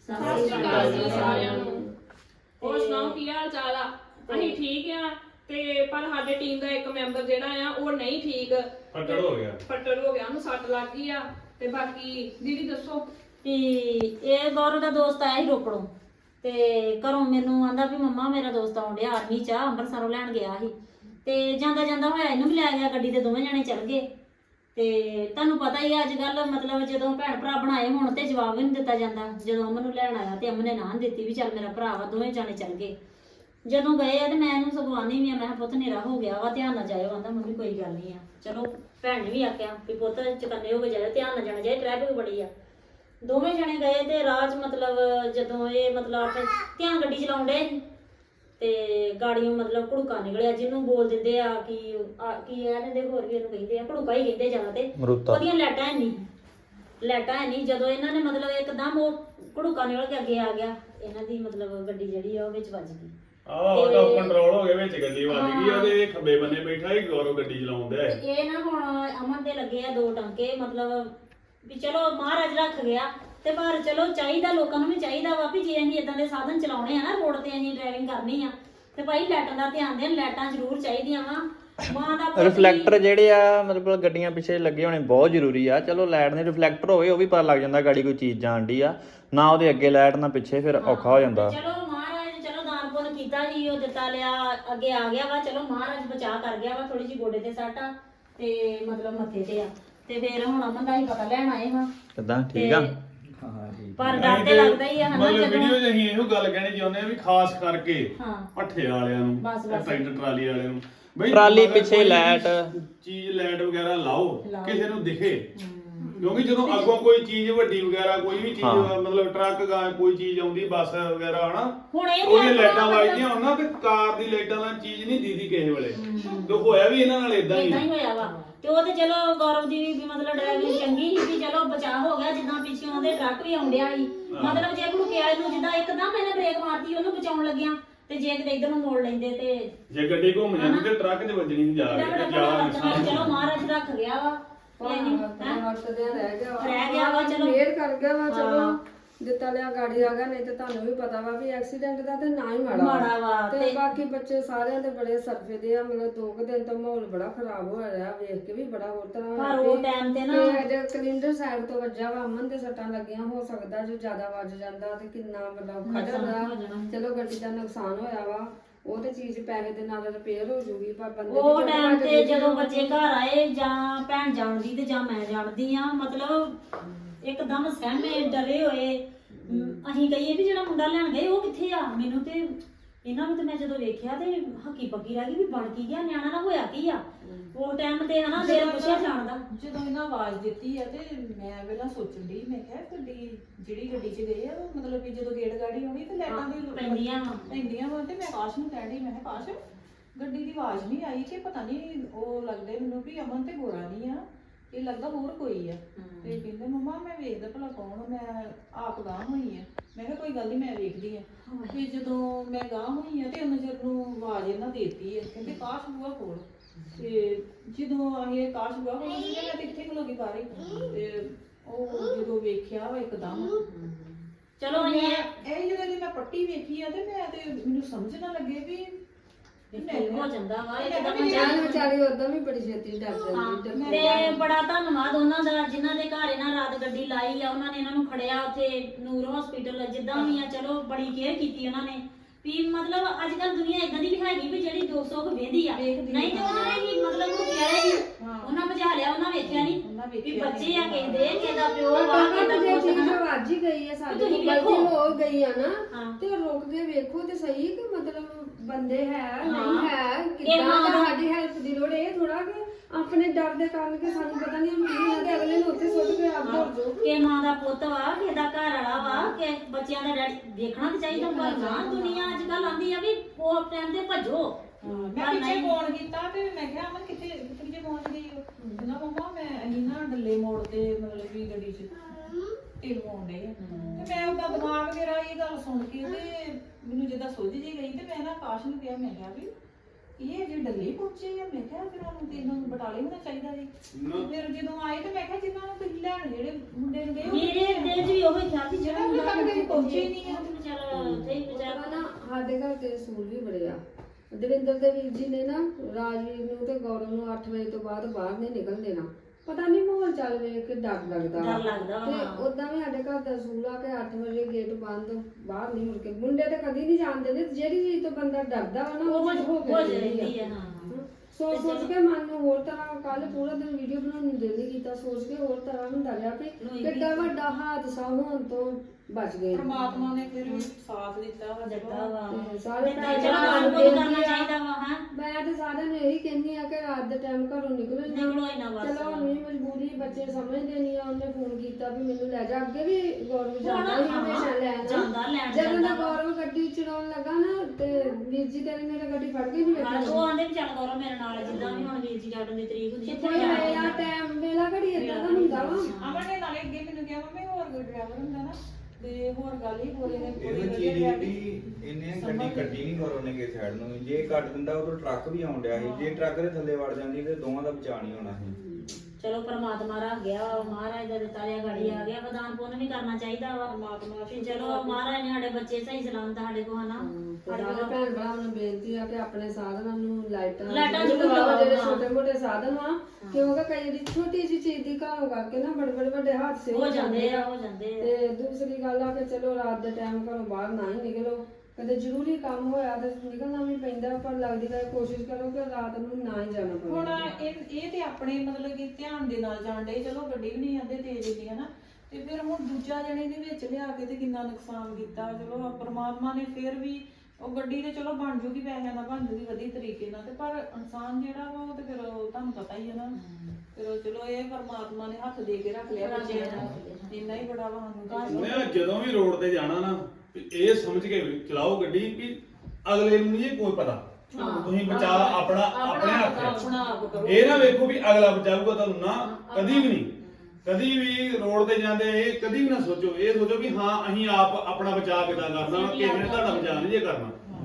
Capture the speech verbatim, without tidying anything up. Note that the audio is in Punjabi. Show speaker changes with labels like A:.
A: ਸਤਿ ਸ਼੍ਰੀ ਅਕਾਲ ਜੀ ਸਾਰਿਆਂ ਨੂੰ। ਹੋਰ ਸੁਣਾਓ ਕੀ ਹਾਲ ਚਾਲ ਆ? ਅਸੀਂ ਠੀਕ ਆ ਤੇ ਪਰ ਸਾਡੇ ਟੀਮ ਦਾ ਇੱਕ ਮੈਂਬਰ ਜਿਹੜਾ ਆ ਉਹ ਨਹੀਂ ਠੀਕ,
B: ਫੱਟੜ ਹੋ ਗਿਆ
A: ਫੱਟੜ ਹੋ ਗਿਆ, ਉਹਨੂੰ ਸੱਟ ਲੱਗ ਗਈ ਆ। ਤੇ ਬਾਕੀ ਦੀਦੀ ਦੱਸੋ।
C: ਵੀ ਇਹ ਗੌਰਵ ਦਾ ਦੋਸਤ ਆਇਆ ਸੀ ਰੋਪੜੋਂ ਤੇ ਘਰੋਂ ਮੈਨੂੰ ਆਂਦਾ ਵੀ ਮੰਮਾ ਮੇਰਾ ਦੋਸਤ ਆਉਣ ਡਿਆ ਆਰਮੀ ਚ, ਅੰਮ੍ਰਿਤਸਰੋਂ ਲੈਣ ਗਿਆ ਸੀ ਤੇ ਜਾਂਦਾ ਜਾਂਦਾ ਹੋਇਆ ਇਹਨੂੰ ਵੀ ਲੈ ਗਿਆ ਗੱਡੀ ਤੇ, ਦੋਵੇਂ ਜਣੇ ਚੱਲ ਗਏ। ਤੇ ਤੁਹਾਨੂੰ ਪਤਾ ਹੀ ਅੱਜ ਕੱਲ ਮਤਲਬ ਜਦੋਂ ਭੈਣ ਭਰਾ ਬਣਾਏ ਹੋਣ ਤੇ ਜਵਾਬ ਵੀ ਨਹੀਂ ਦਿੱਤਾ ਜਾਂਦਾ। ਜਦੋਂ ਅਮਨ ਨੂੰ ਲੈਣ ਆਇਆ ਤੇ ਅਮਨ ਨੇ ਨਾਂ ਦਿੱਤੀ ਵੀ ਚੱਲ ਮੇਰਾ ਭਰਾ ਵਾ, ਦੋਵੇਂ ਜਾਣੇ ਚੱਲ ਗਏ। ਜਦੋਂ ਗਏ ਆ ਤੇ ਮੈਂ ਇਹਨੂੰ ਸਗਵਾਨੀ ਵੀ ਆ, ਮੈਂ ਕਿਹਾ ਪੁੱਤ ਹਨੇਰਾ ਹੋ ਗਿਆ ਵਾ, ਧਿਆਨ ਨਾਲ ਜਾਇਓ। ਆਂਦਾ ਮੰਮੀ ਕੋਈ ਗੱਲ ਨਹੀਂ ਆ। ਚਲੋ ਭੈਣ ਨੇ ਵੀ ਆਖਿਆ ਵੀ ਪੁੱਤ ਚਕੰਨੇ ਹੋ ਕੇ ਜਾਇਓ, ਧਿਆਨ ਨਾਲ ਜਾਣਾ ਚਾਹੀਦਾ, ਟ੍ਰੈਫਿਕ ਬੜੀ ਆ। ਦੋਵੇਂ ਜਣੇ ਗਏ ਤੇ ਰਾਹ 'ਚ ਮਤਲਬ ਜਦੋਂ ਇਹ ਮਤਲਬ ਆਪਣੇ ਧਿਆਨ ਗੱਡੀ ਚਲਾਉਣ ਡਏ ਤੇ ਗਾੜੀਆਂ ਮਤਲਬ ਘੜੂਕਾ ਨਿਕਲਿਆ, ਜਿਹਨੂੰ ਬੋਲ ਦਿੰਦੇ ਆ ਕਿ ਕੀ ਕਹਿੰਦੇ ਹੋਰ ਵੀ ਇਹਨੂੰ ਕਹਿੰਦੇ ਆ ਘੜੂਕਾ ਹੀ ਕਹਿੰਦੇ ਜ਼ਿਆਦਾ। ਤੇ ਉਹਦੀਆਂ ਲਾਈਟਾਂ ਹੈ ਨਹੀਂ, ਲਾਈਟਾਂ ਹੈ ਨਹੀਂ। ਜਦੋਂ ਇਹਨਾਂ ਨੇ ਮਤਲਬ ਇੱਕਦਮ ਉਹ ਘੜੂਕਾ ਨਿਕਲ ਕੇ ਅੱਗੇ ਆ ਗਿਆ, ਇਹਨਾਂ ਦੀ ਮਤਲਬ ਗੱਡੀ ਜਿਹੜੀ ਆ ਉਹ ਵਿੱਚ ਵੱਜ ਗਈ।
B: ਆਹ ਉਹਦਾ ਕੰਟਰੋਲ ਹੋ ਗਿਆ, ਵਿੱਚ ਗੱਡੀ ਵੱਜ ਗਈ। ਉਹਦੇ ਖੱਬੇ ਬੰਨੇ ਬੈਠਾ ਹੀ ਗੌਰਵ ਗੱਡੀ ਚਲਾਉਂਦਾ ਹੈ।
C: ਇਹ ਨਾ ਹੁਣ ਅਮਨ ਦੇ ਲੱਗੇ ਆ ਦੋ ਟੰਕੇ, ਮਤਲਬ ਵੀ ਚਲੋ ਮਹਾਰਾਜ ਰੱਖ ਗਿਆ ਤੇ ਪਰ ਚਲੋ ਚਾਹੀਦਾ, ਲੋਕਾਂ ਨੂੰ ਵੀ ਚਾਹੀਦਾ ਵਾ ਵੀ ਜੇ ਅਸੀਂ ਇਦਾਂ ਦੇ ਸਾਧਨ ਚਲਾਉਣੇ ਆ ਨਾ ਰੋਡ ਤੇ, ਅਸੀਂ ਡਰਾਈਵਿੰਗ ਕਰਨੀ ਆ ਤੇ ਭਾਈ ਲਾਈਟਾਂ ਦਾ ਧਿਆਨ ਦੇਣ। ਲਾਈਟਾਂ ਜ਼ਰੂਰ ਚਾਹੀਦੀਆਂ ਵਾ। ਮਾਂ ਦਾ
D: ਰਿਫਲੈਕਟਰ ਜਿਹੜੇ ਆ ਮਤਲਬ ਗੱਡੀਆਂ ਪਿੱਛੇ ਲੱਗੇ ਹੋਣੇ ਬਹੁਤ ਜ਼ਰੂਰੀ ਆ। ਚਲੋ ਲਾਈਟ ਦੇ ਰਿਫਲੈਕਟਰ ਹੋਵੇ ਉਹ ਵੀ ਪਤਾ ਲੱਗ ਜਾਂਦਾ ਗਾੜੀ ਕੋਈ ਚੀਜ਼ ਜਾਣਦੀ ਆ, ਨਾ ਉਹਦੇ ਅੱਗੇ ਲਾਈਟ ਨਾ ਪਿੱਛੇ, ਫਿਰ ਔਖਾ ਹੋ ਜਾਂਦਾ।
C: ਚਲੋ ਮਹਾਰਾਜ ਚਲੋ ਦਾਨ ਪੁੰਨ ਕੀਤਾ ਜੀ, ਉਹ ਦਿੱਤਾ ਲਿਆ ਅੱਗੇ ਆ ਗਿਆ ਵਾ। ਚਲੋ ਮਹਾਰਾਜ ਬਚਾ ਕਰ ਗਿਆ ਵਾ। ਥੋੜੀ ਜਿਹੀ ਗੋਡੇ ਤੇ ਸੱਟ ਆ ਤੇ ਮਤਲਬ ਮੱਥੇ ਤੇ ਆ। ਤੇ ਫਿਰ ਹੁਣ ਅਮਨ ਦਾ ਹੀ ਪਤਾ ਲੈਣ ਆਏ ਹਾਂ।
D: ਕਿੱਦਾਂ ਠੀਕ ਆ?
C: ਪਰ ਡਰ ਤੇ ਲੱਗਦਾ ਹੀ ਆ ਹਨਾ।
B: ਮਤਲਬ ਵੀਡੀਓ 'ਚ ਅਸੀਂ ਇਹੋ ਗੱਲ ਕਹਿਣੀ ਚਾਹੁੰਦੇ ਆ ਵੀ ਖਾਸ ਕਰਕੇ
C: ਹਾਂ
B: ਭੱਠੇ ਵਾਲਿਆਂ ਨੂੰ,
C: ਬਸ ਬਸ
B: ਟਰੈਕਟਰ ਟਰਾਲੀ ਵਾਲਿਆਂ ਨੂੰ, ਬਈ
D: ਟਰਾਲੀ
B: ਅਗਰ
D: ਪਿੱਛੇ
B: ਕੋਈ ਵੀ
D: ਲਾਈਟ
B: ਚੀਜ਼ ਲਾਈਟ ਵਗੈਰਾ ਲਾਓ, ਕਿਸੇ ਨੂੰ ਦਿਖੇ। ਕਿਉਂਕਿ ਜਦੋਂ ਅੱਗੋਂ ਕੋਈ ਚੀਜ਼ ਵੱਡੀ ਵਗੈਰਾ ਕੋਈ ਵੀ ਚੀਜ਼ ਮਤਲਬ ਟਰੱਕ ਗਾ ਕੋਈ ਚੀਜ਼ ਆਉਂਦੀ ਬੱਸ ਵਗੈਰਾ ਹਨਾ,
C: ਹੁਣ ਇਹ
B: ਉਹਦੀਆਂ ਲਾਈਟਾਂ ਵੱਜਦੀਆਂ ਹੋਣ ਨਾ ਤੇ ਕਾਰ ਦੀ ਲਾਈਟਾਂ ਨਾਲ ਚੀਜ਼ ਨਹੀਂ ਦੀਦੀ ਕਿਸੇ ਵੇਲੇ। ਤੇ ਹੋਇਆ ਵੀ ਇਹਨਾਂ ਨਾਲ ਇਦਾਂ ਹੀ
C: ਇਦਾਂ ਹੀ ਹੋਇਆ ਵਾ। ਤੇ ਉਹ ਤੇ ਚਲੋ ਗੌਰਵ ਦੀ ਵੀ ਮਤਲਬ ਡਰਾਈਵਿੰਗ ਚੰਗੀ ਸੀ ਵੀ ਚਲੋ ਬਚਾਅ ਹੋ ਗਿਆ। ਜਿੱਦਾਂ ਪਿੱਛੇ ਉਹਦੇ ਟਰੱਕ ਵੀ ਆਉਂਦਿਆ ਸੀ, ਮਤਲਬ ਜੇ ਕੋਈ ਕਿਹਾ ਇਹਨੂੰ ਜਿੱਦਾਂ ਇੱਕਦਮ ਇਹਨੇ ਬ੍ਰੇਕ ਮਾਰਤੀ ਉਹਨੂੰ ਬਚਾਉਣ ਲੱਗਿਆ ਤੇ ਜੇ ਕਿਤੇ ਇਧਰ ਨੂੰ ਮੋੜ ਲੈਂਦੇ ਤੇ
B: ਜੇ ਗੱਡੀ ਘੁੰਮ ਜਾਂਦੀ ਤੇ ਟਰੱਕ 'ਚ ਵੱਜਣੀ ਸੀ ਜਾ ਕੇ ਜ਼ਿਆਦਾ ਨੁਕਸਾਨ।
C: ਚਲੋ ਮਹਾਰਾਜ ਰੱਖ ਗਿਆ ਵਾ,
E: ਵਰਤਦਿਆਂ ਰਹਿ ਗਿਆ
C: ਰਹਿ ਗਿਆ ਵਾ। ਚਲੋ
E: ਫੇਰ ਕਰ ਗਿਆ ਵਾ। ਚਲੋ ਦਿੱਤਾ ਲਿਆ ਗਾੜੀ ਆ ਗਿਆ। ਨਹੀਂ ਤੇ ਤੁਹਾਨੂੰ ਵੀ ਪਤਾ ਵਾ ਵੀ ਐਕਸੀਡੈਂਟ ਦਾ ਤੇ ਨਾ ਹੀ ਮਾੜਾ
C: ਮਾੜਾ ਵਾ।
E: ਤੇ ਬਾਕੀ ਬੱਚੇ ਸਾਰਿਆਂ ਦੇ ਬੜੇ ਸਰਫੇ ਦੇ ਆ। ਮਤਲਬ ਦੋ ਕੁ ਦਿਨ ਤੋਂ ਮਾਹੌਲ ਬੜਾ ਖਰਾਬ ਹੋ ਰਿਹਾ, ਵੇਖ ਕੇ ਵੀ ਬੜਾ ਹੋਰ ਤਰ੍ਹਾਂ
C: ਪਰ ਉਹ ਟਾਈਮ ਤੇ ਨਾ
E: ਜੇ ਕਲਿੰਡਰ ਸਾਈਡ ਤੋਂ ਵੱਜਾ ਵਾ, ਅਮਨ ਦੇ ਸੱਟਾਂ ਲੱਗੀਆਂ, ਹੋ ਸਕਦਾ ਜੋ ਜ਼ਿਆਦਾ ਵੱਜ ਜਾਂਦਾ ਤੇ ਕਿੰਨਾ ਮਤਲਬ ਖੜਦਾ। ਚਲੋ ਗੱਡੀ ਦਾ ਨੁਕਸਾਨ ਹੋਇਆ ਵਾ, ਉਹ ਤੇ ਚੀਜ਼ ਪੈਸੇ ਦੇ ਨਾਲ ਰਿਪੇਅਰ ਹੋ ਜੂਗੀ। ਪਰ ਬੰਦੇ
C: ਉਹ ਟਾਈਮ ਤੇ ਜਦੋਂ ਬੱਚੇ ਘਰ ਆਏ, ਜਾਂ ਭੈਣ ਜਾਣਦੀ ਤੇ ਜਾਂ ਮੈਂ ਜਾਣਦੀ ਆ, ਮਤਲਬ ਇੱਕਦਮ ਸਹਿਮੇ ਡਰੇ ਹੋਏ। ਅਸੀਂ ਕਹੀਏ ਵੀ ਜਿਹੜਾ ਮੁੰਡਾ ਲੈਣ ਗਏ ਉਹ ਕਿੱਥੇ ਆ। ਮੈਨੂੰ ਤੇ ਇਹਨਾਂ ਨੂੰ ਤੇ ਮੈਂ ਜਦੋਂ ਵੇਖਿਆ ਤੇ ਹੱਕੀ ਪੱਕੀ ਰਹਿ ਗਈ ਵੀ ਬਣ ਕੀ ਗਿਆ, ਨਿਆਣਾ ਨਾ ਹੋਇਆ ਕੀ ਆ। ਉਹ ਟਾਈਮ ਤੇ ਹਨਾ ਦਿਲ ਪੁੱਛਿਆ ਜਾਣਦਾ।
F: ਜਦੋਂ ਇਹਨਾਂ ਆਵਾਜ਼ ਦਿੱਤੀ ਆ ਤੇ ਮੈਂ ਪਹਿਲਾਂ ਸੋਚਣ ਦੀ, ਮੈਂ ਕਿਹਾ ਗੱਡੀ ਜਿਹੜੀ ਗੱਡੀ 'ਚ ਗਏ ਆ ਉਹ ਮਤਲਬ ਕਿ ਜਦੋਂ ਗੇਟ ਗਾੜੀ ਆਉਣੀ ਤੇ ਲਾਈਟਾਂ ਦੀ
C: ਪੈਂਦੀਆਂ ਵਾ
F: ਪੈਂਦੀਆਂ ਵਾ। ਤੇ ਮੈਂ ਕਾਸ਼ ਨੂੰ ਕਹਿਣ ਡਈ, ਮੈਂ ਕਿਹਾ ਕਾਸ਼ ਗੱਡੀ ਦੀ ਆਵਾਜ਼ ਨਹੀਂ ਆਈ ਕਿ ਪਤਾ ਨਹੀਂ, ਉਹ ਲੱਗਦਾ ਮੈਨੂੰ ਵੀ ਅਮਨ ਤੇ ਗੋਰਾ ਨਹੀਂ ਆ, ਇਹ ਲੱਗਦਾ ਹੋਰ ਕੋਈ ਆ। ਤੇ ਕਹਿੰਦੇ ਮੰਮਾ ਮੈਂ ਵੇਖਦਾ ਭਲਾ ਕੌਣ, ਮੈਂ ਆਪ ਗਾਹ ਹੋਈ ਆ। ਮੈਂ ਕਿਹਾ ਕੋਈ ਗੱਲ ਨਹੀਂ ਮੈਂ ਵੇਖਦੀ ਆ। ਤੇ ਜਦੋਂ ਮੈਂ ਗਾਹ ਹੋਈ ਆ ਤੇ ਉਹਨਾਂ ਚਿਰ ਨੂੰ ਆਵਾਜ਼ ਇਹਨਾਂ ਦੇਤੀ ਆ, ਕਹਿੰਦੇ ਕਾਸ਼ ਬੂਆ ਖੋਲ। ਤੇ ਜਦੋਂ ਆਏ ਕਾਸ਼ ਬੂਆ ਖੋਲ ਸੀ ਮੈਂ ਤੇ ਇੱਥੇ ਖਲੋ ਗਈ ਬਾਹਰ ਹੀ। ਤੇ ਉਹ ਜਦੋਂ ਵੇਖਿਆ ਵਾ ਇੱਕਦਮ,
C: ਚਲੋ
F: ਮੈਂ ਇਹ ਜਦੋਂ ਦੀ ਮੈਂ ਪੱਟੀ ਵੇਖੀ ਆ ਤੇ ਮੈਂ ਤੇ ਮੈਨੂੰ ਸਮਝ ਨਾ ਲੱਗੇ ਵੀ
C: ਹੋ ਜਾਂਦਾ ਵਾ
E: ਜਾਨ
C: ਇੱਕਦਮ।
E: ਵਿਚਾਰੀ ਉਦੋਂ ਵੀ ਬੜੀ ਛੇਤੀ ਡਰ ਜਾਂਦੀ।
C: ਤੇ ਬੜਾ ਧੰਨਵਾਦ ਉਹਨਾਂ ਦਾ ਜਿਨ੍ਹਾਂ ਦੇ ਘਰ ਇਹਨਾਂ ਰਾਤ ਗੱਡੀ ਲਾਈ ਆ। ਉਹਨਾਂ ਨੇ ਇਹਨਾਂ ਨੂੰ ਖੜਿਆ ਉੱਥੇ ਨੂਰ ਹਸਪੀਟਲ ਜਿੱਦਾਂ ਵੀ ਆ, ਚਲੋ ਬੜੀ ਕੇਅਰ ਕੀਤੀ ਉਹਨਾਂ ਨੇ। ਵੀ ਮਤਲਬ ਅੱਜ ਕੱਲ ਦੁਨੀਆ ਇਦਾਂ ਦੀ ਵੀ ਹੈਗੀ ਵੀ ਜਿਹੜੀ ਦੋ ਸੌ ਕੁ ਵੇਂਦੀ ਆ, ਨਹੀਂ ਤੇ ਉਹਨਾਂ ਨੇ ਵੀ ਮਤਲਬ ਉਹ ਕਿਹਾ ਹੀ ਉਹਨਾਂ ਬੁਝਾ ਲਿਆ, ਉਹਨਾਂ ਵੇਖਿਆ ਨਹੀਂ ਵੀ ਬੱਚੇ ਆ ਕਹਿੰਦੇ ਕਿਹਦਾ ਪਿਓ ਵਾ ਕਿਹਦਾ
E: ਜੇ ਚੀਜ਼
C: ਪੁੱਤ।
E: ਵੱਜ ਹੀ ਗਈ ਹੈ ਸਾਡੇ
C: ਤੁਸੀਂ
E: ਕੋਲ, ਗਲਤੀ
C: ਵੇਖੋ।
E: ਹੋ ਗਈ ਆ ਨਾ,
C: ਹਾਂ।
E: ਤੇ ਰੁਕ ਕੇ ਵੇਖੋ ਤੇ ਸਹੀ ਕਿ ਮਤਲਬ ਬੰਦੇ ਹੈ
C: ਹਾਂ।
E: ਨਹੀਂ ਹੈ,
C: ਇਹ
E: ਕਿੱਦਾਂ
C: ਮਾਂ ਦਾ-
E: ਸਾਡੀ ਹੈਲਪ ਦੀ ਲੋੜ। ਇਹ ਥੋੜਾ ਕਿ ਆਪਣੇ ਡਰ ਦੇ ਕਾਰਨ ਕਿ ਸਾਨੂੰ ਪਤਾ ਨਹੀਂ ਕੀ ਹੋਣਾ ਤੇ ਅਗਲੇ ਨੂੰ ਉੱਥੇ ਸੁੱਟ ਕੇ ਆਪ ਦੌੜ ਜਾਓ।
C: ਕਿ ਮਾਂ ਦਾ ਪੁੱਤ ਵਾ, ਕਿਹਦਾ ਘਰ ਵਾਲਾ ਵਾ, ਕਿ ਬੱਚਿਆਂ ਦਾ ਡੈਡੀ ਦੇਖਣਾ ਤੇ ਚਾਹੀਦਾ। ਪਰ ਨਾ ਦੁਨੀਆ ਅੱਜ ਕੱਲ ਆਂਦੀ ਆ ਵੀ ਉਹ ਟਾਈਮ ਤੇ ਭੱਜੋ।
F: ਮੈਂ ਪਿੱਛੇ ਫੋਨ ਕੀਤਾ ਤੇ ਮੈਂ ਕਿਹਾ ਅਮਨ ਕਿੱਥੇ ਕਿੱਥੇ ਪਹੁੰਚ ਗਈ ਹੋ? ਕਹਿੰਦਾ ਮੰਮਾ ਮੈਂ ਅਸੀਂ ਨਾ ਡੱਲੇ ਮੋੜ ਤੇ ਮਤਲਬ ਵੀ ਗੱਡੀ 'ਚ ਤੇਲ ਪਾਉਂਦੇ ਆ। ਤੇ ਮੈਂ ਉਹਦਾ ਦਿਮਾਗ ਮੇਰਾ ਇਹ ਗੱਲ ਸੁਣ ਕੇ ਤੇ ਮੈਨੂੰ ਜਿੱਦਾਂ ਸੁੱਝ ਜੀ ਗਈ ਤੇ ਮੈਂ ਨਾ ਆਕਾਸ਼ ਨੂੰ ਕਿਹਾ, ਮੈਂ ਕਿਹਾ ਵੀ ਇਹ ਜੇ ਡੱਲੇ ਪਹੁੰਚੇ ਆ ਮੈਂ ਕਿਹਾ ਫਿਰ ਉਹਨੂੰ ਤੇ ਇਹਨਾਂ ਨੂੰ ਬਟਾਲੇ ਹੋਣਾ ਚਾਹੀਦਾ ਜੀ
B: ਨਾ।
F: ਫਿਰ ਜਦੋਂ ਆਏ ਤੇ ਮੈਂ ਕਿਹਾ ਜਿਨ੍ਹਾਂ ਨੂੰ ਤੁਸੀਂ ਲੈਣ ਜਿਹੜੇ ਮੁੰਡੇ ਨੂੰ ਗਏ ਉਹ
C: ਮੇਰੇ ਦਿਲ 'ਚ ਵੀ ਉਹੋ ਹੀ ਖਿਆਲ ਸੀ ਜਿਹੜਾ
F: ਜਿਹੜਾ
C: ਮੁੰਡਾ
F: ਮੁੰਡਾ ਕਦੇ ਪਹੁੰਚੇ ਹੀ ਨਹੀਂ ਆ।
C: ਵਿਚਾਰਾ ਉੱਥੇ ਹੀ ਵਿਚਾਰਾ
E: ਪਰ ਨਾ ਸਾਡੇ ਘਰ ਤੇ ਅਸੂਲ ਵੀ ਬੜੇ ਆ। ਦਵਿੰਦਰ ਦੇ ਵੀਰ ਜੀ ਨੇ ਨਾ ਰਾਜਵੀਰ ਨੂੰ ਤੇ ਗੌਰਵ ਨੂੰ ਅੱਠ ਵਜੇ ਤੋਂ ਬਾਅਦ ਬਾਹਰ ਨਹੀਂ ਨਿਕਲਣ ਦੇਣਾ। ਪਤਾ ਨਹੀਂ ਮਾਹੌਲ ਚੱਲ ਵੇਖ ਕੇ ਡਰ ਲੱਗਦਾ
C: ਡਰ ਲੱਗਦਾ ਵਾ,
E: ਤੇ
C: ਹਾਂ।
E: ਉਦਾਂ ਵੀ ਸਾਡੇ ਘਰ ਦਾ ਅਸੂਲ ਆ ਕਿ ਅੱਠ ਵਜੇ ਗੇਟ ਬੰਦ, ਬਾਹਰ ਨਹੀਂ ਮੁੜ ਕੇ। ਮੁੰਡੇ ਤੇ ਕਦੀ ਨਹੀਂ ਜਾਣ ਦਿੰਦੇ। ਜਿਹੜੀ ਚੀਜ਼ ਤੋਂ ਬੰਦਾ ਡਰਦਾ ਵਾ ਨਾ
C: ਉਹ
E: ਚੀਜ਼
C: ਹੋ
E: ਕੇ
C: ਜਾਂਦੀ
E: ਰਹਿੰਦੀ
C: ਹੈ। ਹਾਂ
E: ਸੋਚ ਸੋਚ ਕੇ ਮਨ ਨੂੰ ਹੋਰ ਤਰ੍ਹਾਂ, ਕੱਲ ਪੂਰਾ ਦਿਨ ਵੀਡੀਓ ਬਣਾਉਣ ਨੂੰ ਦਿਲ ਨਹੀਂ ਕੀਤਾ। ਸੋਚ ਕੇ ਹੋਰ ਤਰ੍ਹਾਂ ਹੁੰਦਾ ਰਿਹਾ ਵੀ ਕਿੱਡਾ ਵੱਡਾ ਹਾਦਸਾ ਹੋਣ ਤੋਂ ਬਚ ਗਏ।
F: ਪਰਮਾਤਮਾ ਨੇ ਫਿਰ ਵੀ ਸਾਥ ਦਿੱਤਾ ਵਾ
C: ਦਿੱਤਾ ਵਾ।
E: ਤੇ ਸਾਰੇ
C: ਤੇ
E: ਭੈਣ
C: ਚਲੋ
E: ਭਰਾ
C: ਸਾਨੂੰ
E: ਨੂੰ
C: ਕੁਝ ਕਰਨਾ
E: ਬੇਨਤੀ ਆ।
C: ਚਾਹੀਦਾ ਵਾ ਹਾਂ
E: ਮੈਂ ਤੇ ਸਾਰਿਆਂ ਨੂੰ ਇਹੀ ਕਹਿੰਦੀ ਆ ਕਿ ਰਾਤ ਦੇ ਟਾਈਮ ਘਰੋਂ ਨਿਕਲੋ ਹੀ ਨਾ।
C: ਨਿਕਲੋ ਹੀ ਨਾ ਬਸ।
E: ਚਲੋ ਹੁਣ ਵੀ ਮਜਬੂਰੀ, ਬੱਚੇ ਸਮਝਦੇ ਨਹੀਂ ਆ। ਉਹਨੇ ਫੋਨ ਕੀਤਾ ਵੀ ਮੈਨੂੰ ਲੈ ਜਾ। ਅੱਗੇ ਵੀ ਗੌਰਵ ਜਾਂਦਾ ਸੀ ਹਮੇਸ਼ਾ ਲੈਣ।
C: ਜਾਂਦਾ ਲੈਣ
E: ਜਦੋਂ ਦਾ
C: ਜਾਂਦਾ ਵਾ।
E: ਗੌਰਵ ਗੱਡੀ ਚਲਾਉਣ ਲੱਗਾ ਨਾ ਤੇ ਵੀਰ ਜੀ ਤੇਰੇ ਨੇ ਗੱਡੀ ਫੜ ਕੇ ਨਹੀਂ
C: ਹਾਂ,
E: ਵੇਖੀ।
C: ਉਹ ਆਂਦੇ ਵੀ ਚੱਲ ਕਰੋ ਮੇਰੇ ਨਾਲ, ਜਿੱਦਾਂ ਵੀ ਹੁਣ ਵੀਰ ਜੀ ਜਾਣ ਦੀ ਤਰੀਕ ਹੁੰਦੀ ਹੈ
E: ਕੋਈ ਵੇਲਾ ਟਾਈਮ ਵੇਲਾ ਘੜੀ ਏਦਾਂ ਦਾ ਹੁੰਦਾ ਵਾ।
F: ਅਮਨ ਨੇ ਨਾਲੇ ਅੱਗੇ ਮੈਨੂੰ ਕਿਹਾ ਮੰਮੀ ਹੋਰ ਕੋਈ ਡਰਾਈਵਰ ਹੁੰਦਾ ਨਾ ਤੇ ਹੋਰ ਗੱਲ ਹੀ ਬੋਲੇ ਨੇ
G: ਇਹ ਚੀਜ਼ ਦੀ ਇਹਨੇ ਗੱਡੀ ਕੱਢੀ ਨਹੀਂ ਕਰੋ ਨੇ ਕਿਸੇ ਸਾਈਡ ਨੂੰ। ਜੇ ਕੱਢ ਦਿੰਦਾ ਉਦੋਂ ਟਰੱਕ ਵੀ ਆਉਣ ਡਿਆ ਸੀ। ਜੇ ਟਰੱਕ ਦੇ ਥੱਲੇ ਵੜ ਜਾਂਦੀ ਤੇ ਦੋਵਾਂ ਦਾ ਬਚਾਅ ਨਹੀਂ ਹੋਣਾ ਸੀ।
C: ਚਲੋ ਪਰਮਾਤਮਾ ਰੱਖ ਗਿਆ ਵਾ, ਮਹਾਰਾਜ ਦਾ ਦਿੱਤਾ ਲਿਆ ਗਾੜੀ ਆ ਗਿਆ। ਵਦਾਨ ਪੁੰਨ ਵੀ ਕਰਨਾ ਚਾਹੀਦਾ ਵਾ।
F: ਪਰਮਾਤਮਾ
C: ਵੀ ਚਲੋ ਮਹਾਰਾਜ ਨੇ ਸਾਡੇ ਬੱਚੇ ਸਹੀ ਸਲਾਮਤ ਸਾਡੇ ਕੋਲ ਹਨਾ।
E: ਸਾਡੇ ਕੋਲ ਭੈਣ ਭਰਾਵਾਂ ਨੂੰ ਬੇਨਤੀ ਆ ਕਿ ਆਪਣੇ ਸਾਧਨਾਂ ਨੂੰ ਲਾਈਟਾਂ
C: ਲਾਈਟਾਂ
E: ਜ਼ਰੂਰ
C: ਜ਼ਰੂਰ
E: ਲਗਾਓ, ਜਿਹੜੇ
C: ਲਗਾਓ।
E: ਛੋਟੇ ਮੋਟੇ ਸਾਧਨ ਆ। ਕਿਉਂਕਿ ਕਈ ਵਾਰੀ ਛੋਟੀ ਜਿਹੀ ਚੀਜ਼ ਦੀ ਘਰੋਂ ਕਰਕੇ ਨਾ ਬੜੇ ਬੜੇ ਵੱਡੇ ਹਾਦਸੇ
C: ਹੋ ਜਾਂਦੇ ਆ ਹੋ ਜਾਂਦੇ ਆ।
E: ਤੇ ਦੂਸਰੀ ਗੱਲ ਆ ਕਿ ਚਲੋ ਰਾਤ ਦੇ ਟਾਈਮ ਘਰੋਂ ਬਾਹਰ ਨਾ ਹੀ ਨਿਕਲੋ। ਕਦੇ ਜ਼ਰੂਰੀ ਕੰਮ ਹੋਇਆ ਤੇ ਨਿਕਲਣਾ ਵੀ ਪੈਂਦਾ, ਪਰ ਲੱਗਦੀ ਹੈ ਕੋਸ਼ਿਸ਼ ਕਰੋ ਕਿ ਰਾਤ ਨੂੰ ਨਾ ਹੀ ਜਾਣਾ ਪਵੇ।
F: ਹੁਣ ਇਹ ਇਹ ਤੇ ਆਪਣੇ ਮਤਲਬ ਕਿ ਧਿਆਨ ਦੇ ਨਾਲ ਜਾਣ ਡੇ। ਚਲੋ ਗੱਡੀ ਵੀ ਨਹੀਂ ਆਂਦੇ ਤੇਜ਼ ਇੰਨੀ ਹਨਾ। ਤੇ ਫਿਰ ਹੁਣ ਦੂਜਾ ਜਣੇ ਦੇ ਵਿੱਚ ਲਿਆ ਕੇ ਤੇ ਕਿੰਨਾ ਨੁਕਸਾਨ ਕੀਤਾ। ਚਲੋ ਪਰਮਾਤਮਾ ਨੇ ਫਿਰ ਵੀ ਉਹ ਗੱਡੀ ਤੇ ਚਲੋ ਬਣ ਜੂਗੀ, ਪੈਸਿਆਂ ਨਾਲ ਬਣ ਜੂਗੀ ਵਧੀਆ ਤਰੀਕੇ ਨਾਲ। ਤੇ ਪਰ ਇਨਸਾਨ ਜਿਹੜਾ ਵਾ ਉਹ ਤੇ ਫਿਰ ਉਹ ਤੁਹਾਨੂੰ ਪਤਾ ਹੀ ਹੈ ਨਾ। ਫਿਰ ਉਹ ਚਲੋ ਇਹ ਪਰਮਾਤਮਾ ਨੇ ਹੱਥ ਦੇ ਕੇ ਰੱਖ ਲਿਆ ਬੱਚਿਆਂ ਨੂੰ। ਇੰਨਾ ਹੀ ਬੜਾ ਵਾ ਸਾਨੂੰ।
B: ਮੈਂ ਜਦੋਂ ਵੀ ਰੋਡ ਤੇ ਜਾਣਾ ਨਾ ਵੀ ਇਹ ਸਮਝ ਕੇ ਚਲਾਓ ਗੱਡੀ ਵੀ ਅਗਲੇ ਨੂੰ ਨਹੀਂ ਕੋਈ ਪਤਾ। ਤੁਸੀਂ ਬਚਾ ਆਪਣਾ ਆਪਣੇ ਹੱਥ
F: ਆਪਣਾ ਆਪ ਕਰੋ।
B: ਇਹ ਨਾ ਵੇਖੋ ਵੀ ਅਗਲਾ ਬਚਾਊਗਾ ਤੁਹਾਨੂੰ, ਨਾ ਕਦੀ ਵੀ ਨਹੀਂ। ਕਦੀ ਵੀ ਰੋਡ ਤੇ ਜਾਂਦੇ ਇਹ ਕਦੀ ਵੀ ਨਾ ਸੋਚੋ। ਇਹ ਸੋਚੋ ਵੀ ਹਾਂ ਅਸੀਂ ਆਪ ਆਪਣਾ ਬਚਾਅ ਕਿੱਦਾਂ ਕਰਨਾ, ਕਿਸੇ ਨੇ ਤੁਹਾਡਾ ਬਚਾਅ ਨਹੀਂ ਜੇ ਕਰਨਾ।